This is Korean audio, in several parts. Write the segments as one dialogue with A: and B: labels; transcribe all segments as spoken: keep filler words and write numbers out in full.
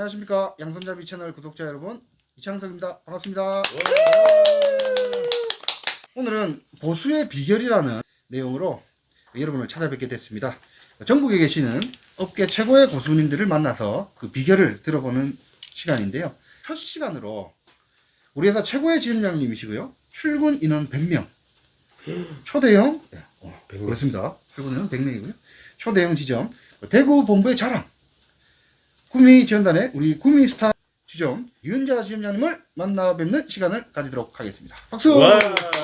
A: 안녕하십니까 양손잡이 채널 구독자 여러분, 이창석입니다. 반갑습니다. 오늘은 보수의 비결이라는 내용으로 여러분을 찾아뵙게 됐습니다. 전국에 계시는 업계 최고의 고수님들을 만나서 그 비결을 들어보는 시간인데요. 첫 시간으로 우리 회사 최고의 지점장님이시고요, 출근 인원 백 명, 초대형, 네, 어,
B: 백 명.
A: 그렇습니다. 출근 인원 백 명이고요 초대형 지점, 대구 본부의 자랑, 구미 지원단의 우리 구미 스타 지점 유은자 지점장님을 만나 뵙는 시간을 가지도록 하겠습니다. 박수!
B: 와.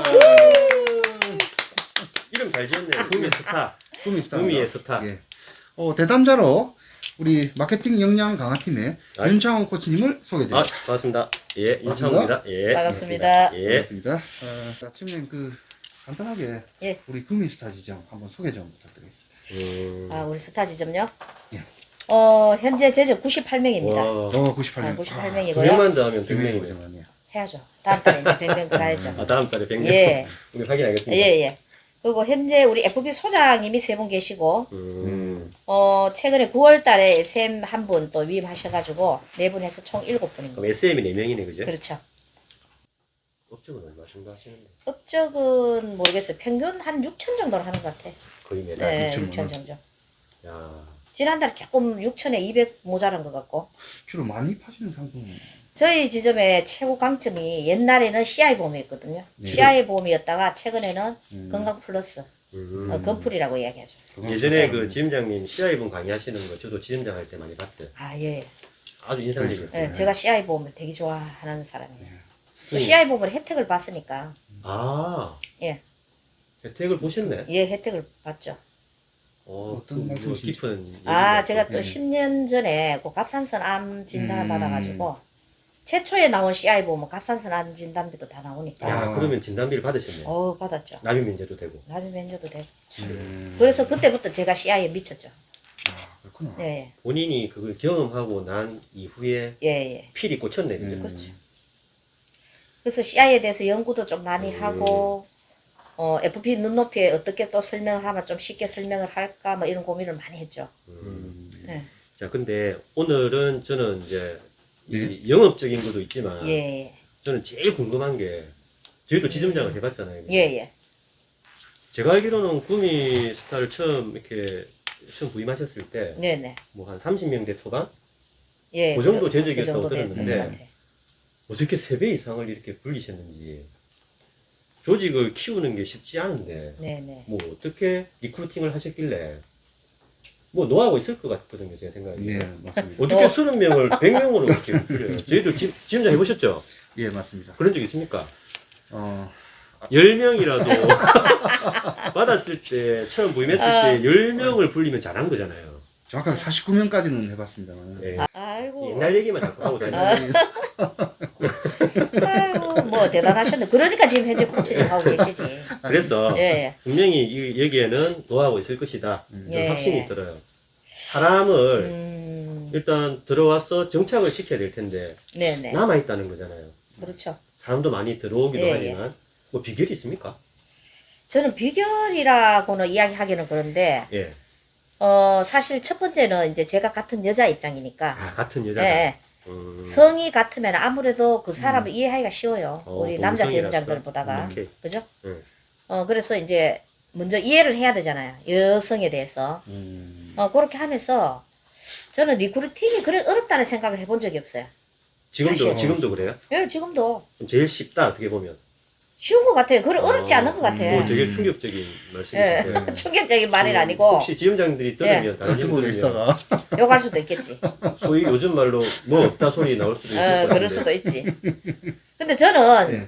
B: 이름 잘 지었네. 구미 스타.
A: 구미 스타.
B: 구미의 스타.
A: 예. 어, 대담자로 우리 마케팅 역량 강화팀의
B: 아,
A: 윤창호 코치님을
B: 아,
A: 소개드립니다.
B: 반갑습니다. 예, 인창호입니다. 예.
C: 반갑습니다.
B: 예.
A: 반갑습니다. 어, 자, 팀장님 그 간단하게
C: 예.
A: 우리 구미 스타 지점 한번 소개 좀 부탁드리겠습니다.
B: 음.
C: 아, 우리 스타 지점요?
A: 예.
C: 어, 현재 제적 구십팔 명입니다.
B: 와.
A: 어, 구십팔 명.
C: 아, 구십팔
B: 두
C: 명이고요.
B: 명만 더 하면 백 명이네.
A: 명이네요.
C: 해야죠. 다음 달에 이제 백 명 가야죠.
B: 아, 다음 달에 백 명.
C: 예.
B: 우리 확인하겠습니다.
C: 예, 예. 그리고 현재 우리 에프비 소장님이 세 분 계시고,
B: 음.
C: 어, 최근에 구월 달에 에스엠 한 분 또 위임하셔가지고, 네 분 해서 총 일곱 분입니다.
B: 그럼 에스엠이 네 명이네, 그죠?
C: 그렇죠.
B: 업적은 얼마 정도 하시는데?
C: 업적은 모르겠어요. 평균 한 육천 정도는 하는 것 같아.
B: 거의 매달.
C: 네,
A: 육천
C: 육천
A: 원.
C: 정도.
B: 야.
C: 지난달에 조금 육천에 이백 모자란 것 같고.
A: 주로 많이 파시는 상품은
C: 저희 지점의 최고 강점이 옛날에는 씨아이 보험이었거든요.
A: 네.
C: 씨아이 보험이었다가 최근에는
A: 음.
C: 건강 플러스,
B: 음.
C: 어, 건풀이라고 이야기하죠.
B: 예전에 그 지점장님 씨아이분 강의하시는 거 저도 지점장 할 때 많이 봤어요.
C: 아, 예.
B: 아주 인상적이었어요.
C: 예, 제가 씨아이 보험을 되게 좋아하는 사람이에요. 또
B: 음.
C: 씨아이 보험을 혜택을 봤으니까,
B: 아.
C: 예,
B: 혜택을 보셨네.
C: 예, 혜택을 봤죠.
B: 어,
A: 어떤
B: 그 뭐
A: 말씀이신지.
B: 깊은.
C: 아,
B: 얘기가
C: 제가
B: 또-
C: 또
A: 예.
C: 십 년 전에 그 갑상선 암 진단을
A: 음.
C: 받아가지고, 최초에 나온 씨아이 보험은 갑상선 암 진단비도 다 나오니까,
B: 야,
A: 아.
B: 그러면 진단비를 받으셨네요.
C: 어 받았죠.
B: 납입 면제도 되고.
C: 나비 면제도 되고.
A: 음.
C: 그래서 그때부터 제가 씨아이에 미쳤죠.
A: 아, 그렇구나.
C: 예,
B: 본인이 그걸 경험하고 난 이후에
C: 예, 예.
B: 필이 꽂혔네, 그죠?
A: 음.
C: 그렇죠. 그래서 씨아이에 대해서 연구도 좀 많이
B: 음.
C: 하고, 어, 에프피 눈높이에 어떻게 또 설명을 하면 좀 쉽게 설명을 할까, 뭐 이런 고민을 많이 했죠.
B: 음.
A: 음.
C: 예,
B: 자, 근데 오늘은 저는 이제
A: 네.
B: 이 영업적인 것도 있지만
C: 예,
B: 저는 제일 궁금한 게 저희도 지점장을 해봤잖아요. 그죠?
C: 예, 예.
B: 제가 알기로는 구미 스타를 처음 이렇게 처음 부임하셨을 때 뭐
C: 네네.
B: 한 삼십 명대 초반?
C: 예.
B: 그 정도
C: 그-
B: 재적이었다고
C: 그 정도 되는
B: 들었는데
C: 것 같아요.
B: 어떻게 세 배 이상을 이렇게 불리셨는지 조직을 키우는 게 쉽지 않은데
C: 네네.
B: 뭐 어떻게 리크루팅을 하셨길래 뭐 노하우가 있을 것 같거든요, 제 생각에.
A: 네, 맞습니다.
B: 어떻게
C: 어.
B: 서른 명을 백 명으로 이렇게 불려요? 저희도 지, 지점장 해보셨죠?
A: 예, 맞습니다.
B: 그런 적 있습니까?
A: 어,
B: 열 명이라도 받았을 때, 처음 부임했을
C: 어.
B: 때 열 명을 불리면 잘한 거잖아요.
A: 정확하게 사십구 명까지는 해봤습니다만.
B: 예.
C: 아이고.
B: 옛날 얘기만 자꾸 하고 다니는
C: 아. 아이고, 뭐 대단하셨네. 그러니까 지금 현재 코치님 하고 계시지.
B: 그래서
C: 예, 예.
B: 분명히 이, 여기에는 노하우가 있을 것이다.
A: 음.
B: 저는
C: 예,
B: 확신이
C: 예.
B: 들어요. 사람을
C: 음,
B: 일단 들어와서 정착을 시켜야 될 텐데
C: 네네.
B: 남아있다는 거잖아요.
C: 그렇죠.
B: 사람도 많이 들어오기도
C: 예,
B: 하지만 뭐 비결이 있습니까?
C: 저는 비결이라고는 이야기하기는 그런데,
B: 예.
C: 어, 사실 첫 번째는 이제 제가 같은 여자 입장이니까,
B: 아, 같은
C: 예,
B: 여자다.
C: 예.
B: 음.
C: 성이 같으면 아무래도 그 사람을 이해하기가 쉬워요.
B: 어,
C: 우리 남자
B: 동성이라서.
C: 지점장들보다가.
B: 오케이.
C: 그죠?
B: 응.
C: 어, 그래서 이제 먼저 이해를 해야 되잖아요. 여성에 대해서.
A: 음.
C: 어, 그렇게 하면서 저는 리크루팅이 그래 어렵다는 생각을 해본 적이 없어요.
B: 지금도
C: 사실.
B: 지금도 그래요?
C: 예, 지금도
B: 그럼 제일 쉽다 어떻게 보면.
C: 쉬운 것 같아요. 그래 어렵지
B: 어,
C: 않은 것 같아.
B: 뭐
C: 요
B: 되게 충격적인
C: 예,
B: 말씀이신데.
C: 충격적인 말은 아니고
B: 혹시 지점장들이 들으면 다른
A: 어떻게
B: 분들이
A: 있어가?
C: 욕할 수도 있겠지.
B: 소위 요즘 말로 뭐 없다 소리 나올 수도 있을
C: 어,
B: 것
C: 그럴
B: 같은데.
C: 수도 있지. 근데 저는
A: 예.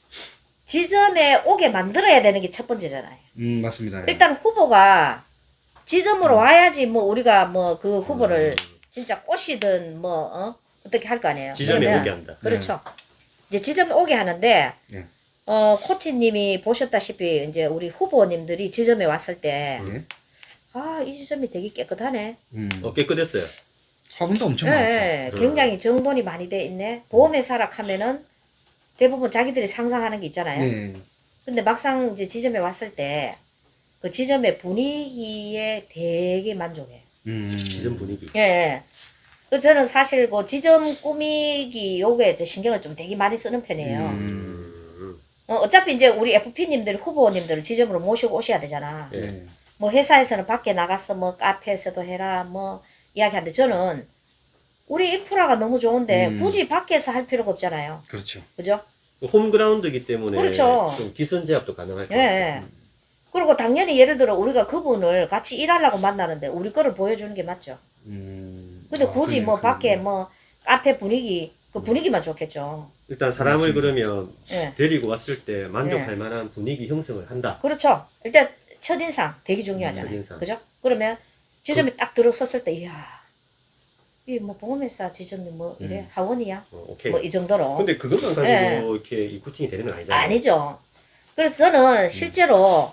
C: 지점에 오게 만들어야 되는 게 첫 번째잖아요.
A: 음, 맞습니다. 예.
C: 일단 후보가 지점으로 와야지 뭐 우리가 뭐 그 후보를
B: 음,
C: 진짜 꼬시든 뭐 어? 어떻게 할 거 아니에요.
B: 지점에
C: 그러면-
B: 오게 한다.
C: 그렇죠. 이제 지점에 오게 하는데
A: 예.
C: 어 코치님이 보셨다시피 이제 우리 후보님들이 지점에 왔을 때
A: 예.
C: 아, 이 지점이 되게 깨끗하네.
A: 음.
B: 어 깨끗했어요.
A: 화분도 엄청
C: 예,
A: 많고.
C: 예,
B: 음.
C: 굉장히 정돈이 많이 돼 있네. 보험회사라 하면은 대부분 자기들이 상상하는 게 있잖아요.
A: 네.
C: 근데 막상 이제 지점에 왔을 때 그 지점의 분위기에 되게 만족해.
A: 음.
B: 지점 분위기.
C: 예, 예. 그 저는 사실 그 지점 꾸미기 요게 이제 신경을 좀 되게 많이 쓰는 편이에요.
A: 음.
B: 음.
C: 어, 어차피 이제 우리 에프피님들 후보님들을 지점으로 모시고 오셔야 되잖아.
B: 예.
A: 네.
C: 뭐 회사에서는 밖에 나가서 뭐 카페에서도 해라 뭐 이야기하는데 저는 우리 인프라가 너무 좋은데
A: 음.
C: 굳이 밖에서 할 필요가 없잖아요.
A: 그렇죠.
C: 그죠?
B: 홈그라운드이기 때문에
C: 그렇죠.
B: 좀 기선 제압도 가능할
C: 예.
B: 것 같아요.
C: 예. 그리고 당연히 예를 들어 우리가 그분을 같이 일하려고 만나는데 우리 거를 보여주는 게 맞죠.
A: 음.
C: 근데
A: 아,
C: 굳이
A: 그러네요,
C: 뭐 밖에
A: 그러네요.
C: 뭐 카페 분위기 그 분위기만 좋겠죠.
B: 일단 사람을
A: 맞습니다.
B: 그러면
C: 예.
B: 데리고 왔을 때 만족할
C: 예.
B: 만한 분위기 형성을 한다.
C: 그렇죠. 일단 첫인상 되게 중요하잖아요.
B: 음, 첫인상.
C: 그죠? 그러면 지점에 딱 들어섰을 때 이야 이 뭐 보험회사 지점이 뭐 이래
A: 음.
C: 하원이야
B: 어, 오케이.
C: 뭐 이 정도로
B: 근데 그것만 가지고
C: 예.
B: 이렇게 이쿠팅이 되는 건 아니잖아요.
C: 아니죠. 그래서 저는 실제로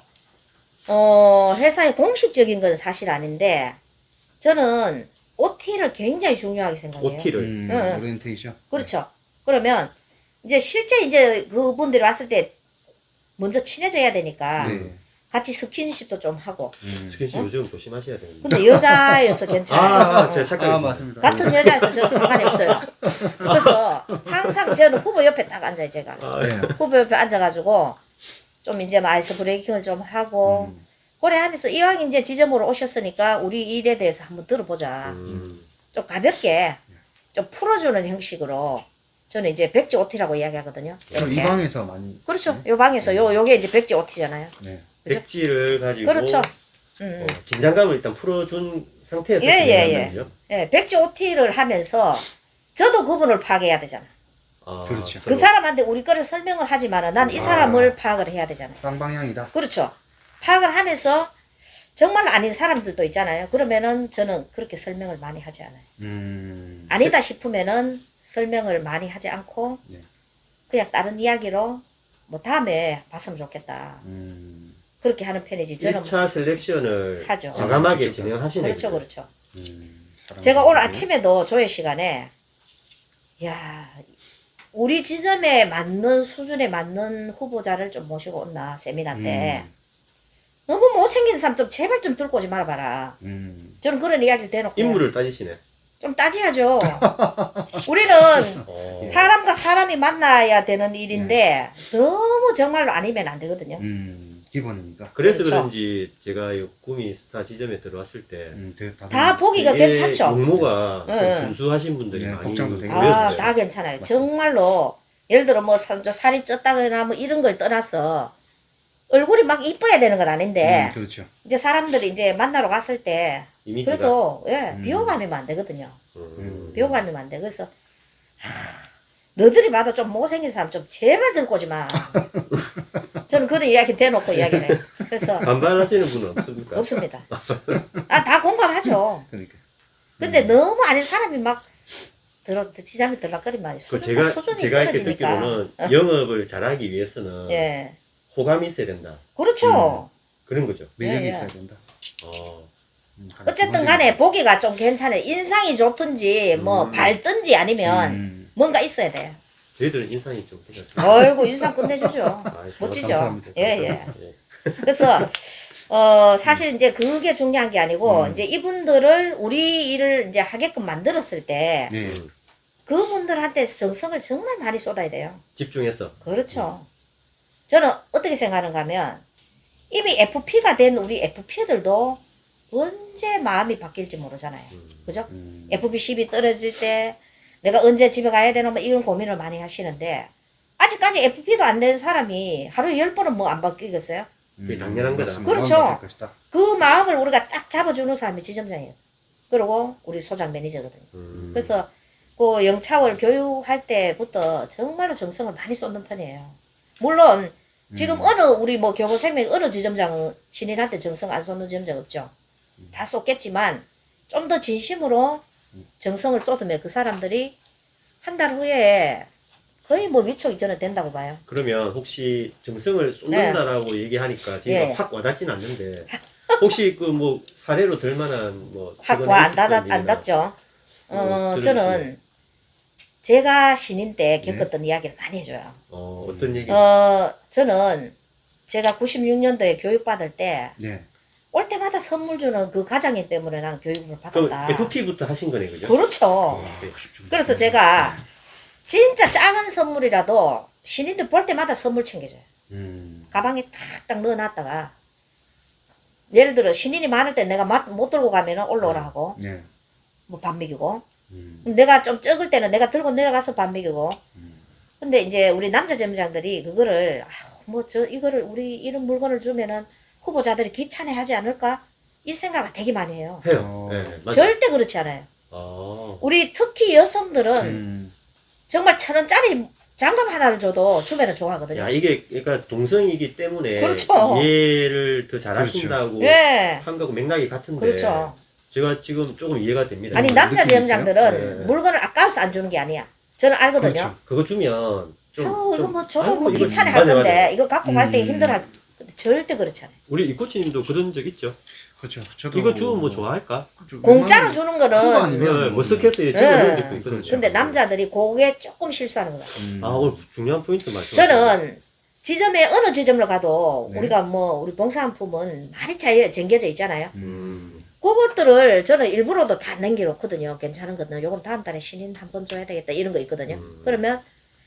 C: 어 회사의 공식적인 건 사실 아닌데 저는 오티를 굉장히 중요하게 생각해요.
B: 오티를.
A: 음,
C: 응, 응.
A: 오리엔테이션.
C: 그렇죠. 그러면 이제 실제 이제 그분들이 왔을 때 먼저 친해져야 되니까
A: 네.
C: 같이 스킨십도 좀 하고.
A: 음.
B: 스킨십
C: 어?
B: 요즘 조심하셔야 되는데.
C: 근데 여자여서 괜찮아요.
B: 아,
C: 어.
B: 제가
A: 아,
B: 착각했습니다.
A: 맞습니다.
C: 같은 여자여서 저는 상관이 없어요. 그래서 항상 저는 후보 옆에 딱 앉아요, 제가.
B: 아,
A: 네.
C: 후보 옆에 앉아가지고 좀 이제 뭐 아이스 브레이킹을 좀 하고
A: 음.
C: 그래 하면서 이왕 이제 지점으로 오셨으니까 우리 일에 대해서 한번 들어보자.
B: 음.
C: 좀 가볍게 좀 풀어주는 형식으로 저는 이제 백지 오티라고 이야기하거든요.
A: 그럼 이
C: 이렇게.
A: 방에서 많이.
C: 그렇죠. 요 방에서 요 요게 이제 백지 오티잖아요.
A: 네.
C: 그죠?
B: 백지를 가지고
C: 그렇죠. 음.
B: 어, 긴장감을 일단 풀어준 상태에서
C: 예, 예,
B: 진행하는
C: 예.
B: 거죠.
C: 예, 백지 오티를 하면서 저도 그분을 파악해야 되잖아.
B: 아,
A: 그렇죠.
C: 그 사람한테 우리 거를 설명을 하지만은 난 이
A: 아.
C: 사람을 파악을 해야 되잖아요.
A: 쌍방향이다.
C: 그렇죠. 파악을 하면서 정말 아닌 사람들도 있잖아요. 그러면은 저는 그렇게 설명을 많이 하지 않아요.
A: 음.
C: 아니다 싶으면은 설명을 많이 하지 않고
A: 네.
C: 그냥 다른 이야기로 뭐 다음에 봤으면 좋겠다.
A: 음.
C: 그렇게 하는 편이지. 저는
B: 일 차 셀렉션을
C: 하죠.
B: 과감하게
A: 음,
B: 진행하시네.
C: 그렇죠, 그렇죠.
A: 음.
C: 제가 오늘
A: 사람들이.
C: 아침에도 조회 시간에 야 우리 지점에 맞는 수준에 맞는 후보자를 좀 모시고 온나 세미나 때
A: 음.
C: 너무 못생긴 사람 좀 제발 좀 들고 오지 말아봐라.
A: 음.
C: 저는 그런 이야기를 대놓고
B: 인물을 따지시네.
C: 좀 따져야죠. 우리는
B: 어.
C: 사람과 사람이 만나야 되는 일인데 너무 정말로 아니면 안 되거든요.
A: 음. 기본이니까.
B: 그래서
C: 그렇죠.
B: 그런지 제가 이 구미 스타 지점에 들어왔을 때
A: 음. 되게
C: 다 보기가
B: 되게
C: 괜찮죠.
B: 용모가 좀
C: 네.
B: 준수하신 분들이
A: 네,
B: 많이
A: 복장도 되게
B: 보였어요.
C: 아, 다 괜찮아요. 정말로 예를 들어 뭐 살- 좀 살이 쪘다거나 뭐 이런 걸 떠나서 얼굴이 막 이뻐야 되는 건 아닌데
A: 음, 그렇죠.
C: 이제 사람들이 이제 만나러 갔을 때
B: 이미지가.
C: 그래도 예
A: 음.
C: 비호감이면 안 되거든요.
B: 음.
C: 비호감이면 안 돼. 그래서 하, 너들이 봐도 좀 못생긴 사람 좀 제발 들고 오지 마. 저는 그런 이야기 대놓고 이야기를 해요. 그래서
B: 반발하시는 분은 없습니까?
C: 없습니다. 아, 다 공감하죠.
A: 그러니까.
C: 근데 너무 아닌 사람이 막 들어 지잠이 들락거리면 말이에요.
B: 그
C: 수준,
B: 제가
C: 수준이
B: 제가 이렇게
C: 떨어지니까.
B: 듣기로는 영업을 잘하기 위해서는
C: 예,
B: 호감이 있어야 된다.
C: 그렇죠.
B: 그런 거죠.
A: 매력이
C: 예, 예.
A: 있어야 된다.
B: 어.
A: 음, 가장
C: 어쨌든
A: 기본적인
C: 간에
A: 거.
C: 보기가 좀 괜찮아요. 인상이 좋든지 뭐
B: 음.
C: 밝든지 아니면
A: 음.
C: 뭔가 있어야 돼요.
B: 저희들은 인상이 좀 괜찮습니다.
C: 어이구 인상 끝내주죠.
B: 아,
C: 멋지죠.
A: 감사합니다.
C: 예, 예.
B: 예.
C: 그래서 어 사실 이제 그게 중요한 게 아니고
A: 음.
C: 이제 이분들을 우리 일을 이제 하게끔 만들었을 때
A: 네.
B: 음.
C: 그분들한테 정성을 정말 많이 쏟아야 돼요.
B: 집중해서.
C: 그렇죠. 저는 어떻게 생각하는가 하면 이미 에프피가 된 우리 에프피들도 언제 마음이 바뀔지 모르잖아요.
B: 음.
C: 그죠?
A: 음.
C: 에프피 십이 떨어질 때 내가 언제 집에 가야 되나 뭐 이런 고민을 많이 하시는데 아직까지 에프피도 안 된 사람이 하루에 열 번은 뭐 안 바뀌겠어요?
B: 그게 당연한 거다.
A: 맞습니다.
C: 그렇죠.
A: 마음 바뀔 것이다.
C: 그 마음을 우리가 딱 잡아주는 사람이 지점장이에요. 그리고 우리 소장 매니저거든요.
B: 음.
C: 그래서 그 영차월 교육할 때부터 정말로 정성을 많이 쏟는 편이에요. 물론 지금
A: 음.
C: 어느 우리 뭐 교보생명 어느 지점장은 신인한테 정성 안 쏟는 지점장 없죠. 다 쏟겠지만 좀 더 진심으로 정성을 쏟으면 그 사람들이 한 달 후에 거의 뭐 위촉 이전에 된다고 봐요.
B: 그러면 혹시 정성을 쏟는다라고 얘기하니까 제가
C: 예.
B: 확 와닿진 않는데 혹시 그 뭐 사례로 들 만한 뭐 최근에
C: 확와 안
B: 있었던
C: 닿았 안
B: 일이나
C: 닿죠.
B: 어,
C: 어,
B: 들어주시면.
C: 저는 제가 신인 때 겪었던 이야기를 많이 해줘요.
B: 어, 어떤 얘기?
C: 어, 저는 제가 구십육 년도에 교육받을 때
A: 네.
C: 올 때마다 선물 주는 그 과장님 때문에 나는 교육을
B: 그럼
C: 받았다.
B: 에프피부터 하신 거네, 그죠?
C: 그렇죠.
B: 네.
C: 그래서 제가 진짜 작은 선물이라도 신인들 볼 때마다 선물 챙겨줘요.
A: 음.
C: 가방에 탁딱 넣어놨다가 예를 들어 신인이 많을 때 내가 마- 못 들고 가면은 올라오라 하고
A: 네.
C: 뭐 밥 먹이고
A: 음.
C: 내가 좀 적을 때는 내가 들고 내려가서 밥 먹이고
A: 음.
C: 근데 이제 우리 남자 점장들이 그거를 뭐 저 이거를 우리 이런 물건을 주면은 후보자들이 귀찮아하지 않을까 이 생각을 되게 많이 해요.
B: 해요.
A: 어.
B: 네, 맞아요.
C: 절대 그렇지 않아요.
B: 아,
C: 우리 특히 여성들은
A: 음.
C: 정말 천 원짜리 장갑 하나를 줘도 주면은 좋아하거든요.
B: 야, 이게, 그러니까 동성이기 때문에
C: 그렇죠.
B: 이해를 더 잘하신다고
C: 예.
B: 한 거고 맥락이 같은데.
C: 그렇죠.
B: 제가 지금 조금 이해가 됩니다.
C: 아니
A: 음,
C: 남자
A: 느낌이
C: 점장들은
B: 네.
C: 물건을 아까워서 안 주는 게 아니야. 저는 알거든요.
A: 그렇죠.
B: 그거 주면 좀.
C: 아우 이거
B: 좀-
C: 뭐 저도
B: 아이고,
C: 뭐
B: 이거
C: 귀찮아
B: 맞아요,
C: 할 건데
B: 맞아요.
C: 이거 갖고 갈 때
A: 음.
C: 힘들어. 근데 절대 그렇지 않아요.
B: 우리 이코치님도 그런 적 있죠?
A: 그렇죠. 저도
B: 이거 주면 뭐 좋아할까?
A: 그렇죠.
C: 공짜로
A: 웬만하면
C: 주는
A: 큰거
C: 거는
A: 아니면
B: 네, 뭐 스케스에
C: 네.
B: 찍어놓은 적도 있거든요.
A: 그렇죠.
C: 근데 남자들이 그게 조금 실수하는 거야.
A: 음.
B: 아, 오늘 중요한 포인트 말씀.
C: 저는 지점에 어느 지점을 가도
A: 네.
C: 우리가 뭐 우리 봉사한품은 많이 차이 쟁겨져 있잖아요.
B: 음.
C: 그것들을 저는 일부러도 다 남겨놓거든요. 괜찮은 거는 요건 다음 달에 신인 한 번 줘야 되겠다 이런 거 있거든요.
B: 음.
C: 그러면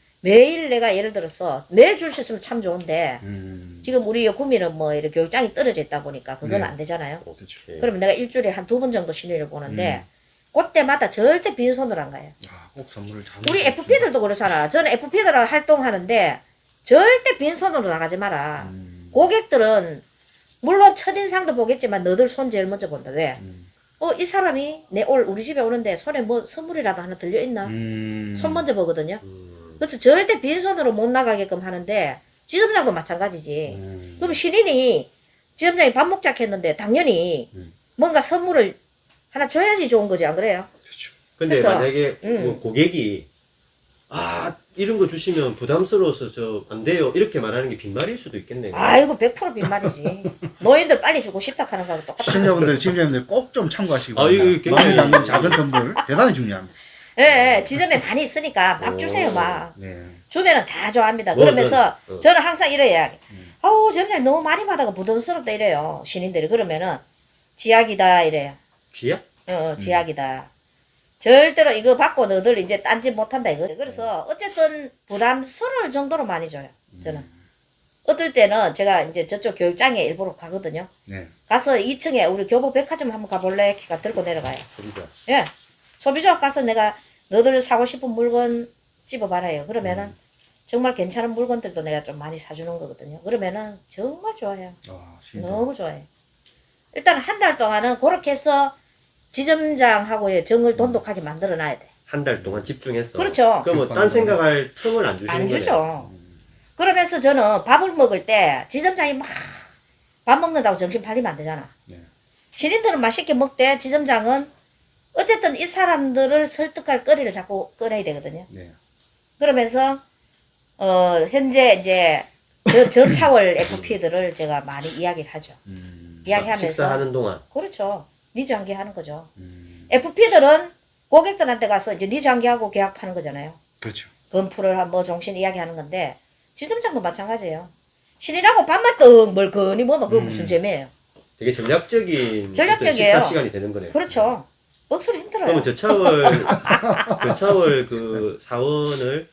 C: 매일 내가 예를 들어서 매일 줄 수 있으면 참 좋은데
A: 음.
C: 지금 우리 구미는 뭐 이렇게 교육장이 떨어져 있다 보니까 그건
A: 네.
C: 안 되잖아요.
A: 그렇죠.
B: 예.
C: 그러면 내가 일주일에 한 두 번 정도 신인을 보는데
A: 음.
C: 그때마다 절대 빈손으로 안 가요.
A: 아, 꼭 선물을 잘
C: 우리
A: 먹었죠.
C: 에프피들도 그렇잖아. 저는 에프피들하고 활동하는데 절대 빈손으로 나가지 마라.
A: 음.
C: 고객들은 물론 첫인상도 보겠지만 너들 손 제일 먼저 본다. 왜?
A: 음.
C: 어, 이 사람이 내 올 우리 집에 오는데 손에 뭐 선물이라도 하나 들려있나?
A: 음.
C: 손 먼저 보거든요.
B: 음.
C: 그래서 절대 빈손으로 못 나가게끔 하는데 지점장도 마찬가지지.
A: 음.
C: 그럼 신인이 지점장이 밥 먹자 했는데 당연히
A: 음.
C: 뭔가 선물을 하나 줘야지 좋은 거지 안 그래요?
A: 그렇죠.
B: 근데
C: 그래서,
B: 만약에
C: 음.
B: 뭐 고객이 아 이런 거 주시면 부담스러워서 저 안 돼요 이렇게 말하는 게 빈말일 수도 있겠네요.
C: 아이고 백 퍼센트 빈말이지. 노인들 빨리 주고 싶다 하는 거하고 똑같아.
A: 시청자분들, 지점장님들 꼭 좀 참고하시고
B: 아, 이거 굉장히-
A: 마음에 담는 작은 선물 대단히 중요합니다.
C: 예, 예, 지점에 많이 있으니까 막
B: 오.
C: 주세요 막.
A: 네.
C: 주면은 다 좋아합니다.
B: 뭐,
C: 그러면서
B: 그, 어.
C: 저는 항상 이래야
A: 음.
C: 아우 점장 너무 많이 받아가 부담스럽다 이래요. 신인들이 그러면은 지약이다 이래요.
B: 쥐야?
C: 어, 어 지약이다. 절대로 이거 받고 너들 이제 딴짓 못한다 이거. 그래서 어쨌든 부담스러울 정도로 많이 줘요. 저는. 어떨 때는 제가 이제 저쪽 교육장에 일부러 가거든요.
A: 네.
C: 가서 이 층에 우리 교보 백화점 한번 가볼래? 걔가 들고 내려가요.
B: 소리가.
C: 예. 소비자업 가서 내가 너들 사고 싶은 물건 집어봐라요. 그러면은
A: 음.
C: 정말 괜찮은 물건들도 내가 좀 많이 사주는 거거든요. 그러면은 정말 좋아해요.
A: 아, 진짜.
C: 너무 좋아해요. 일단 한 달 동안은 그렇게 해서 지점장하고의 정을 돈독하게 만들어 놔야 돼.
B: 한 달 동안 집중해서.
C: 그렇죠.
B: 그럼 뭐 딴 생각할 틈을 안 주시는
C: 안
B: 거네요.
C: 주죠. 그러면서 저는 밥을 먹을 때 지점장이 막 밥 먹는다고 정신 팔리면 안 되잖아.
A: 네.
C: 신인들은 맛있게 먹되 지점장은 어쨌든 이 사람들을 설득할 거리를 자꾸 꺼내야 되거든요.
A: 네.
C: 그러면서 어 현재 이제 저, 저차월 에프피들을 제가 많이 이야기를 하죠.
A: 음.
C: 이야기하면서
B: 식사하는 동안.
C: 그렇죠. 니장기하는 거죠.
A: 음.
C: 에프피들은 고객들한테 가서 이제 니장기하고 계약하는 거잖아요.
A: 그렇죠.
C: 건프를 한뭐 종신 이야기하는 건데 지점장도 마찬가지예요. 신이라고 밥만 떡 멀거니 뭐면 그거
A: 음.
C: 무슨 재미예요.
B: 되게 전략적인
C: 전략적이에요.
B: 어떤 식사 시간이 되는 거네요.
C: 그렇죠. 억수로 힘들어요.
B: 그러면 저차월 저차월 그 사원을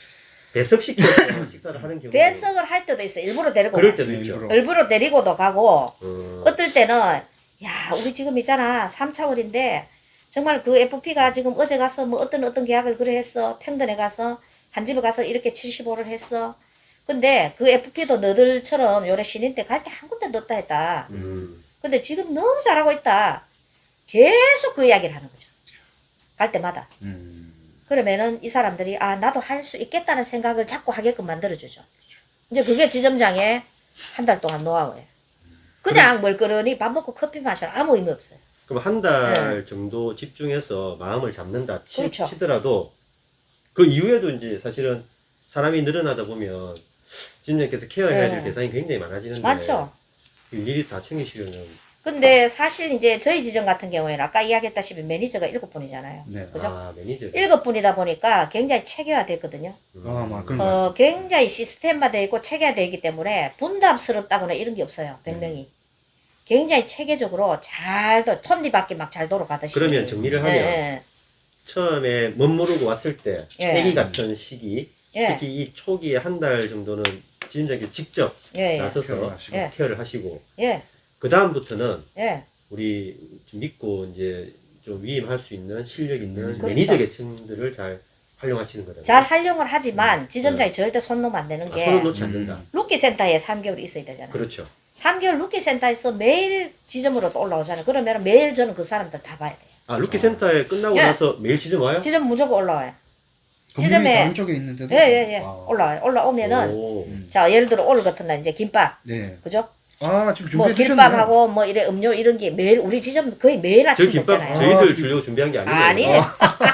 B: 배석시켜서 식사를 하는 경우.
C: 배석을 할 때도 있어. 일부러 데리고
B: 그럴
C: 가요.
B: 때도
A: 네,
B: 있죠.
A: 일부러.
C: 일부러 데리고도 가고
B: 어.
C: 어떨 때는 야 우리 지금 있잖아 삼차월인데 정말 그 에프피가 지금 어제 가서 뭐 어떤 어떤 계약을 그래 했어. 평던에 가서 한 집에 가서 이렇게 칠십오를 했어. 근데 그 에프피도 너들처럼 요래 신인 때 갈 때 한 군데 넣었다 했다.
B: 음.
C: 근데 지금 너무 잘하고 있다. 계속 그 이야기를 하는 거죠. 갈 때마다.
A: 음.
C: 그러면은 이 사람들이 아 나도 할 수 있겠다는 생각을 자꾸 하게끔 만들어주죠. 이제 그게 지점장의 한 달 동안 노하우예요. 그냥 멀거러니 밥 먹고 커피 마셔라 아무 의미 없어요.
B: 그럼 한 달 정도 집중해서 마음을 잡는다 치,
C: 네. 그렇죠.
B: 치더라도 그 이후에도 이제 사실은 사람이 늘어나다 보면 지점장께서 케어해야 될
C: 네.
B: 대상이 굉장히 많아지는데
C: 많죠.
B: 일일이 다 챙기시려면
C: 근데 사실 이제 저희 지점 같은 경우에는 아까 이야기했다시피 매니저가 일곱 분이잖아요.
A: 네.
C: 그죠?
B: 아 매니저
C: 일곱 분이다 보니까 굉장히 체계화됐거든요.
B: 음.
A: 아, 막 그런 거
C: 어, 굉장히 시스템화되어 있고 체계화되어 있기 때문에 분담스럽다거나 이런 게 없어요. 백 명이. 굉장히 체계적으로 잘, 도- 톱니바퀴 막 잘 돌아가듯이.
B: 그러면 정리를 하면
C: 예,
B: 처음에 멋모르고 왔을 때
C: 예.
B: 애기 같은 시기
C: 예,
B: 특히 이 초기에 한 달 정도는 지점장님께 직접
C: 예, 예,
B: 나서서
A: 케어를 하시고.
C: 예.
B: 케어를 하시고
C: 예,
B: 그 다음부터는
C: 예.
B: 우리 좀 믿고 이제 좀 위임할 수 있는 실력 있는
A: 그렇죠.
B: 매니저 계층들을 잘 활용하시는 거다.
C: 잘 활용을 하지만 지점장이
B: 네.
C: 절대 손 놓으면 안 되는
B: 아,
C: 게
B: 손을 놓지 않는다.
A: 음.
C: 루키 센터에 삼 개월 있어야 되잖아요.
B: 그렇죠.
C: 삼 개월 루키 센터에서 매일 지점으로 또 올라오잖아요. 그러면 매일 저는 그 사람들 다 봐야 돼요.
B: 아 루키 센터에 끝나고
C: 예.
B: 나서 매일 지점 와요?
C: 지점 무조건 올라와요.
A: 건물이
C: 지점에-
A: 다른 쪽에 있는데도.
C: 예, 예, 예.
A: 와.
C: 올라와요. 올라오면은,
B: 오.
A: 음.
C: 자, 예를 들어 오늘 같은 날 이제 김밥,
A: 네.
C: 그죠?
A: 아, 지금
C: 뭐
A: 준비해 주셨네요.
C: 김밥하고 뭐 이래 음료 이런 게 매일, 우리 지점 거의 매일
B: 저
C: 아침
B: 김밥
C: 먹잖아요.
A: 저희-
B: 저희들
A: 아,
B: 주려고 준비한 게 아니에요.
C: 아니에요.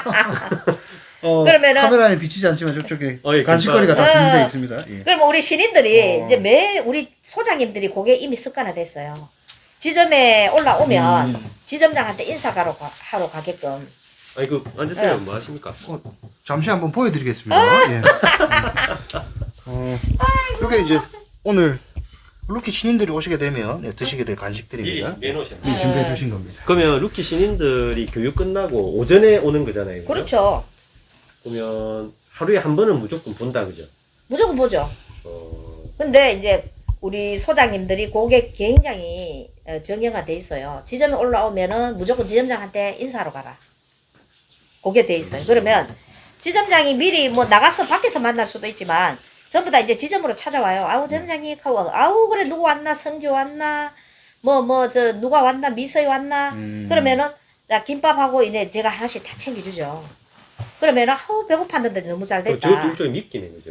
A: 어,
C: 그러면은-
A: 카메라에 비치지 않지만 저쪽에
B: 어, 예,
A: 간식거리가 다
C: 김밥.
A: 준비되어
C: 어.
A: 있습니다. 예.
C: 그럼 우리 신인들이
A: 어.
C: 이제 매일 우리 소장님들이 그게 이미 습관화됐어요. 지점에 올라오면
A: 음.
C: 지점장한테 인사하러 가, 하러 가게끔.
B: 아니 그 앉으세요.
C: 예.
B: 뭐 하십니까?
A: 잠시 한번 보여드리겠습니다.
C: 아!
A: 예. 어, 이게 이제 오늘 루키 신인들이 오시게 되면 예, 드시게 될
B: 미리
A: 간식들입니다.
B: 준비해 놓으셨네.
A: 미리 준비해 두신 겁니다.
B: 그러면 루키 신인들이 교육 끝나고 오전에 오는 거잖아요. 그죠?
C: 그렇죠.
B: 그러면 하루에 한 번은 무조건 본다 그죠?
C: 무조건 보죠.
B: 어,
C: 근데 이제 우리 소장님들이 그게 굉장히 어, 정형화돼 있어요. 지점에 올라오면은 무조건 지점장한테 인사하러 가라. 그게 돼 있어요. 그러면 지점장이 미리 뭐 나가서 밖에서 만날 수도 있지만 전부 다 이제 지점으로 찾아와요. 아우 지점장님 하고 아우 그래 누구 왔나 성규 왔나 뭐 뭐 저 누가 왔나 미서이 왔나
A: 음.
C: 그러면은 나 김밥하고 이제 제가 하나씩 다 챙겨주죠. 그러면은 아우 배고팠는데 너무 잘
B: 그
C: 됐다.
B: 저것도 일종의 밉기네 그죠?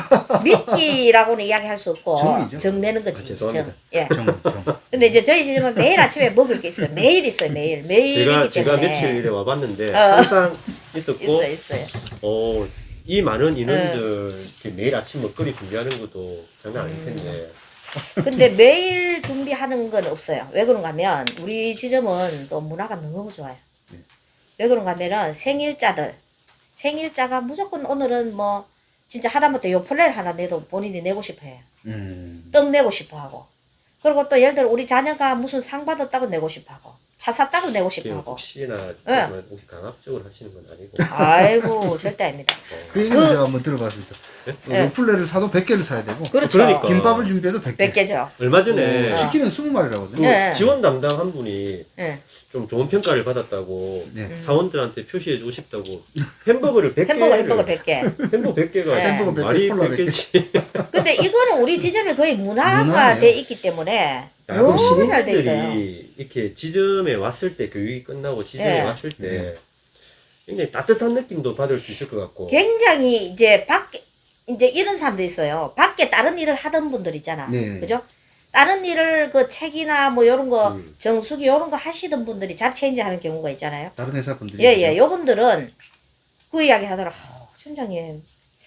C: 믿기라고는 이야기할 수 없고
A: 정이죠.
C: 정내는 거지.
B: 아, 죄송합니다.
C: 정. 예.
A: 정, 정.
C: 근데 이제 저희 집은 매일 아침에 먹을 게 있어요. 매일 있어요. 매일 매일이기
B: 제가 제가
C: 때문에
B: 며칠 일에 와봤는데
C: 어.
B: 항상 있었고
C: 있어 있어요.
B: 어, 이 많은
C: 네.
B: 인원들 이렇게 매일 아침 먹거리 준비하는 것도 장난 아닐 텐데
C: 근데 매일 준비하는 건 없어요. 왜 그런가 하면 우리 지점은 또 문화가 너무 좋아요.
A: 네.
C: 왜 그런가 하면은 생일자들 생일자가 무조건 오늘은 뭐 진짜 하다못해 요플레를 하나 내도 본인이 내고 싶어 해요.
A: 음.
C: 떡 내고 싶어 하고. 그리고 또 예를 들어 우리 자녀가 무슨 상 받았다고 내고 싶어 하고. 차 샀다고 내고 싶어
B: 지금
C: 하고.
B: 혹시나
C: 네.
B: 혹시 강압적으로 하시는 건 아니고
C: 아이고 절대 아닙니다.
B: 어,
A: 그 얘기는 제가 한번 들어봤습니다.
B: 네?
A: 어,
C: 네.
A: 요플레를 사도 백 개를 사야 되고
C: 그렇죠.
B: 그러니까.
A: 김밥을 준비해도 백 개.
C: 백 개죠.
B: 얼마 전에
C: 어.
A: 치킨은 스무 마리라거든요.
B: 그
C: 네.
B: 지원 담당 한 분이
C: 예.
B: 좀 좋은 평가를 받았다고
A: 네.
C: 음.
B: 사원들한테 표시해 주고 싶다고 햄버거를 백 개를
C: 햄버거 햄버거 백 개.
B: 햄버거 백 개가
C: 네.
A: 햄버거 백 개,
B: 말이
A: 콜라
B: 백
A: 백 개.
B: 개지.
C: 근데 이거는 우리 지점에 거의 문화가
A: 문화예요.
C: 돼 있기 때문에
B: 야, 그럼
C: 너무 잘 돼 있어요.
B: 신인들이 이렇게 지점에 왔을 때 교육이 끝나고 지점에
C: 예.
B: 왔을 때
A: 네.
B: 굉장히 따뜻한 느낌도 받을 수 있을 것 같고
C: 굉장히 이제 밖에 이제 이런 사람도 있어요. 밖에 다른 일을 하던 분들 있잖아.
A: 네.
C: 그죠? 다른 일을 그 책이나 뭐 요런 거
B: 음.
C: 정수기 요런 거 하시던 분들이 잡체인지 하는 경우가 있잖아요.
A: 다른 회사 분들이.
C: 예, 예. 요분들은 그 이야기 하더라. 아우, 팀장님.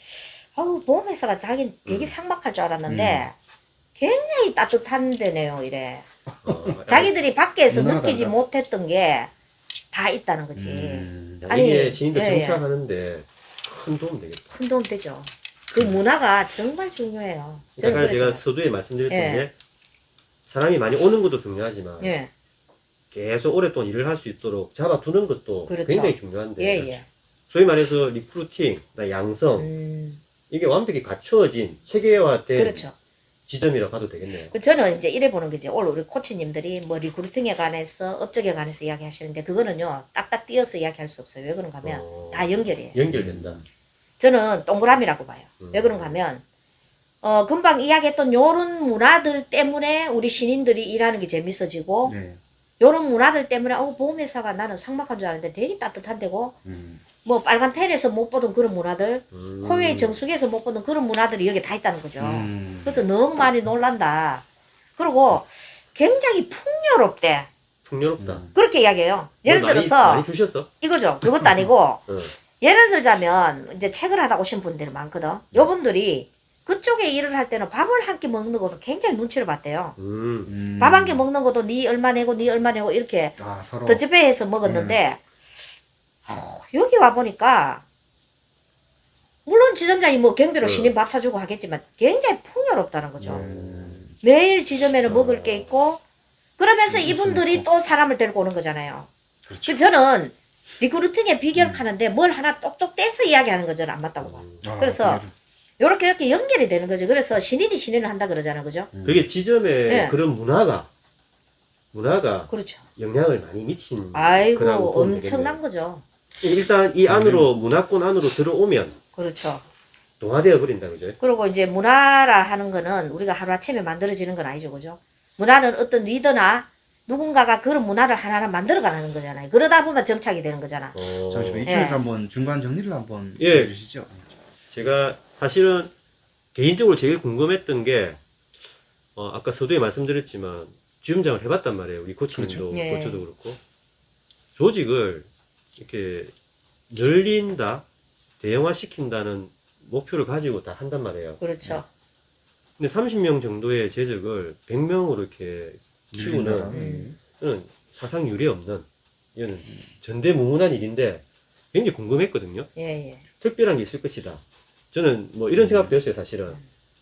C: 아우, 보험회사가 자기 되게
B: 음.
C: 삭막할 줄 알았는데 굉장히 따뜻한 데네요, 이래.
B: 어,
C: 자기들이 밖에서
A: 문화가
C: 느끼지
A: 달라.
C: 못했던 게 다 있다는 거지.
A: 음.
B: 야,
C: 아니,
B: 이게 신인들
C: 예, 예.
B: 정착하는데 큰 도움 되겠다.
C: 큰 도움 되죠. 그 문화가 정말 중요해요. 저는
B: 아까 제가
C: 그래서.
B: 서두에 말씀드렸던
C: 예.
B: 게 사람이 많이 오는 것도 중요하지만
C: 예,
B: 계속 오랫동안 일을 할 수 있도록 잡아두는 것도
C: 그렇죠.
B: 굉장히 중요한데
C: 예, 예.
B: 소위 말해서 리크루팅, 나 양성
C: 음,
B: 이게 완벽히 갖추어진 체계화된
C: 그렇죠.
B: 지점이라고 봐도 되겠네요.
C: 그 저는 이제 이래 보는 거지. 오늘 우리 코치님들이 뭐 리크루팅에 관해서 업적에 관해서 이야기하시는데 그거는요 딱딱 띄어서 이야기할 수 없어요. 왜 그런가 하면
B: 어,
C: 다 연결이에요.
B: 연결된다.
C: 저는 동그라미라고 봐요.
B: 음.
C: 왜 그런가 하면 어 금방 이야기했던 요런 문화들 때문에 우리 신인들이 일하는 게 재밌어지고
A: 네.
C: 요런 문화들 때문에 어 보험회사가 나는 삭막한 줄 알았는데 되게 따뜻한 데고
A: 음.
C: 뭐 빨간 펜에서 못 보던 그런 문화들
B: 음.
C: 코웨이 정수기에서 못 보던 그런 문화들이 여기 다 있다는 거죠.
A: 음.
C: 그래서 너무 많이 놀란다. 그리고 굉장히 풍요롭대.
B: 풍요롭다.
A: 음.
C: 그렇게 이야기해요. 예를
B: 뭘 많이,
C: 들어서
B: 많이 주셨어?
C: 이거죠. 그것도 아니고
B: 어.
C: 예를 들자면 이제 책을 하다 오신 분들이 많거든. 요분들이 그쪽에 일을 할 때는 밥을 한 끼 먹는 것도 굉장히 눈치를 봤대요.
B: 음.
A: 음.
C: 밥 한 끼 먹는 것도 니 얼마 내고 니 얼마 내고 이렇게
A: 아, 서로.
C: 더치페이해서 먹었는데 어, 여기 와 보니까 물론 지점장이 뭐 경비로
B: 네.
C: 신인 밥 사주고 하겠지만 굉장히 풍요롭다는 거죠.
A: 음.
C: 매일 지점에는
B: 어.
C: 먹을 게 있고 그러면서
A: 음,
C: 이분들이
A: 있고.
C: 또 사람을 데리고 오는 거잖아요.
A: 그렇죠.
C: 그 저는 리크루팅의 비결
A: 음.
C: 하는데 뭘 하나 똑똑 떼서 이야기하는 건 저는 안 맞다고 봐.
A: 아,
C: 그래서
A: 비결을.
C: 요렇게 이렇게 연결이 되는 거죠. 그래서 신인이 신인을 한다 그러잖아요. 그죠?
A: 음.
B: 그게 지점에
C: 예.
B: 그런 문화가 문화가
C: 그렇죠.
B: 영향을 많이 미친
C: 아이고,
B: 거라고 보면
C: 엄청난
B: 되겠네요.
C: 거죠.
B: 일단 이 안으로 문화권 안으로 들어오면
C: 그렇죠.
B: 동화되어 버린다 그죠?
C: 그리고 이제 문화라 하는 거는 우리가 하루아침에 만들어지는 건 아니죠. 그죠? 문화는 어떤 리더나 누군가가 그런 문화를 하나하나 만들어가는 거잖아요. 그러다 보면 정착이 되는 거잖아.
B: 어,
A: 잠시만
C: 예.
A: 이쪽에서 한번 중간 정리를 한번
B: 예.
A: 해주시죠.
B: 제가 사실은 개인적으로 제일 궁금했던 게 어, 아까 서두에 말씀드렸지만 지점장을 해봤단 말이에요. 우리 코치님도
C: 그렇죠. 예.
B: 코치도 그렇고 조직을 이렇게 늘린다, 대형화시킨다는 목표를 가지고 다 한단 말이에요.
C: 그렇죠.
B: 근데 삼십 명 정도의 재적을 백 명으로 이렇게 키우는
C: 음.
B: 이는 사상 유례 없는 이거는 전대무문한 일인데 굉장히 궁금했거든요.
C: 예, 예.
B: 특별한 게 있을 것이다. 저는 뭐 이런 생각도 했어요, 사실은.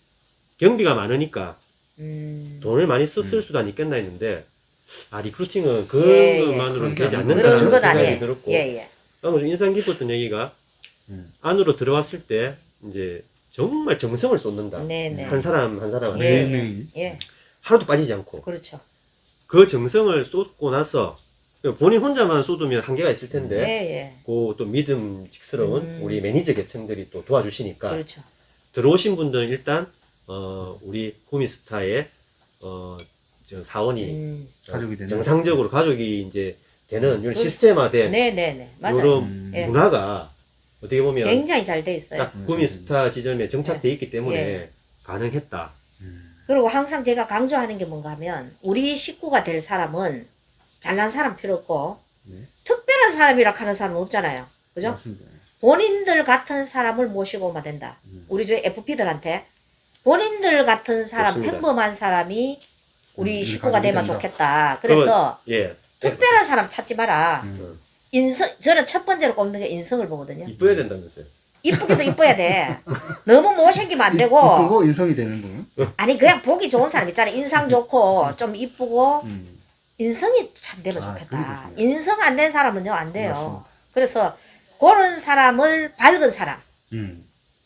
B: 경비가 많으니까
C: 음.
B: 돈을 많이 썼을
A: 음.
B: 수도 있겠나 했는데, 아, 리크루팅은 그런
C: 예, 예.
B: 것만으로는
A: 그런 게
B: 되지
A: 아니고
B: 않는다는
C: 그런 건
B: 생각이
C: 아니에요.
B: 들었고,
C: 예, 예.
B: 아무래도 인상 깊었던 얘기가
A: 음.
B: 안으로 들어왔을 때, 이제 정말 정성을 쏟는다.
C: 네, 네.
B: 한 사람 한 사람
C: 예,
A: 매일매일.
C: 예.
B: 하루도 빠지지 않고.
C: 그렇죠.
B: 그 정성을 쏟고 나서, 본인 혼자만 쏟으면 한계가 있을 텐데,
C: 예, 예.
B: 그 또 믿음직스러운
C: 음.
B: 우리 매니저 계층들이 또 도와주시니까,
C: 그렇죠.
B: 들어오신 분들은 일단 어, 우리 구미스타의 어, 저 사원이
C: 음.
A: 가족이 되는
B: 정상적으로 가족이 이제 되는 이런
C: 그렇죠.
B: 시스템화된
C: 네, 네, 네. 맞아요.
B: 이런
A: 음.
C: 예.
B: 문화가 어떻게 보면
C: 굉장히 잘 돼 있어요.
B: 딱 구미스타 지점에 정착돼 있기 때문에
C: 예.
B: 가능했다.
A: 음.
C: 그리고 항상 제가 강조하는 게 뭔가 하면 우리 식구가 될 사람은 잘난 사람 필요 없고
A: 네.
C: 특별한 사람이라 하는 사람은 없잖아요. 그죠?
A: 맞습니다.
C: 본인들 같은 사람을 모시고 오면 된다.
A: 음.
C: 우리 저 에프피들한테 본인들 같은 사람,
B: 좋습니다.
C: 평범한 사람이 우리
A: 음,
C: 식구가
A: 가족이
C: 되면
A: 된다.
C: 좋겠다. 그래서
B: 예.
C: 특별한 사람 찾지 마라.
A: 음.
C: 인성, 저는 첫 번째로 꼽는 게 인성을 보거든요.
B: 이뻐야 된다면서요.
C: 이쁘기도 이뻐야 돼. 너무 못생기면 안 되고.
A: 이쁘고 인성이 되는 분.
C: 아니, 그냥 보기 좋은 사람 있잖아요. 인상 좋고, 좀 이쁘고,
A: 음.
C: 인성이 참 되면
A: 아,
C: 좋겠다.
A: 그게 좋습니다.
C: 인성 안 된 사람은요, 안 돼요.
A: 맞습니다.
C: 그래서, 그런 사람을 밝은 사람.
A: 음.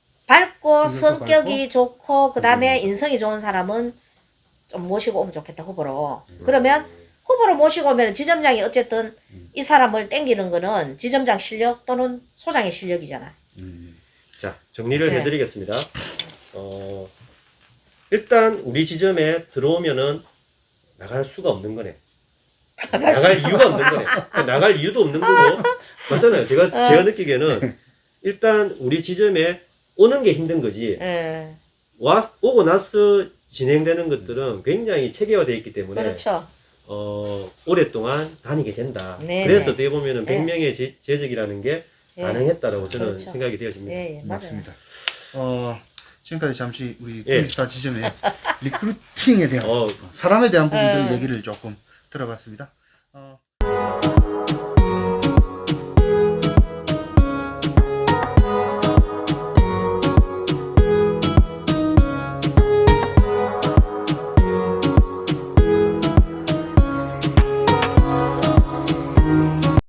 C: 밝고,
A: 성격도
C: 성격이 좋고, 그 다음에
A: 음.
C: 인성이 좋은 사람은 좀 모시고 오면 좋겠다, 후보로.
A: 음.
C: 그러면, 후보로 모시고 오면 지점장이 어쨌든
A: 음.
C: 이 사람을 땡기는 거는 지점장 실력 또는 소장의 실력이잖아.
A: 음.
B: 자, 정리를
C: 네.
B: 해드리겠습니다. 어, 일단 우리 지점에 들어오면은 나갈 수가 없는 거네. 나갈 이유가 없는 거네. 그러니까 나갈 이유도 없는 거고. 맞잖아요. 제가,
C: 어.
B: 제가 느끼기에는 일단 우리 지점에 오는 게 힘든 거지.
C: 예.
B: 와, 오고 나서 진행되는 것들은 굉장히 체계화되어 있기 때문에
C: 그렇죠.
B: 어, 오랫동안 다니게 된다.
C: 네,
B: 그래서
C: 네.
B: 어떻게 보면은
C: 네.
B: 백 명의 재, 재직이라는 게
C: 예.
B: 가능했다라고 저는
C: 그렇죠.
B: 생각이 되어집니다.
C: 예, 예, 맞아요.
A: 맞습니다. 어, 지금까지 잠시 우리
B: 예.
A: 구미스타 지점의 리크루팅에 대한
B: 어,
A: 사람에 대한 부분들
C: 예.
A: 얘기를 조금 들어봤습니다. 어,